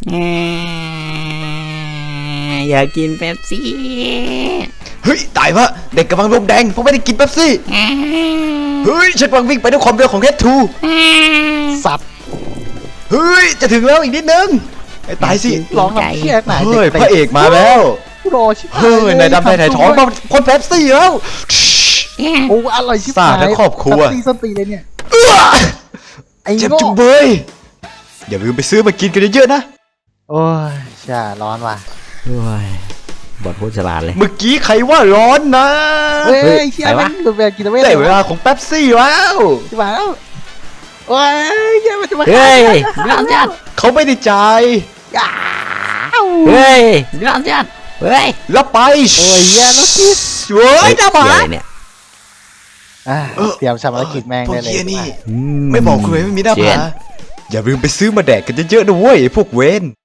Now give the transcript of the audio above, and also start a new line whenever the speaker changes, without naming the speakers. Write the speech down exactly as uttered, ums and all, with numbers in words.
อยากกินเป๊ปซี่
เฮ้ยตายปะเด็กกำลังลมแดงเพราะไม่ได้กินเป๊ปซี่เฮ้ยฉันกำลังวิ่งไปด้วยความเร็วของเฮดทู
สัตว์
เฮ้ยจะถึงแล้วอีกนิดนึงไอ้ตายสิ
ร้องแบบเพี้ยไหน
เฮ้ยพระเอกมาแล้ว
รอชิบหาย
เฮ้ยนายดำนายถ่ายท้องมาคนเป๊ปซี่แล้ว
โอ้อร่อยชิบหาย
สาดและครอบครัว
ตีส้นตีเลยเนี่ยไอ้
เจ็บ
โง่
จุงเบยอย่าลืมไปซื้อมากินกันเยอะๆนะ
โอ้ยช่าร้อนว่ะ
โอ้ยบทพูดฉลาดเลย
เมื่อกี้ใครว่าร้อนนะ
เฮ้
เฮ้ย
ยเชี่ย
ไปวะ
มันดูแบบกินเอาไว้
ได้เวลาของเป๊ปซี่แล้ว
ชิบหายแล้วโอ้ยเชี่ยมันจะมา
เฮ้ยร้อนจัด
เขาไม่ได้จ่าย
อ้าว
เฮ้ยร้อนจัดเฮ้ย
แล้วไป
โอ้ยแย่แล้วคิด
เฮ้ยน้าหมา
เหี้ยอะไรเนี่ย
อ่ะเตรียมชำระกิจแม่ง
พวก
ได้เลย
เฮียนี่
อื
ไม่บอกคุณเลยไม่มีหน้า
เจ็
ผา
ด
อย่าลืมไปซื้อมาแดกกันเยอะๆนะเว้ยไอ้พวกเวน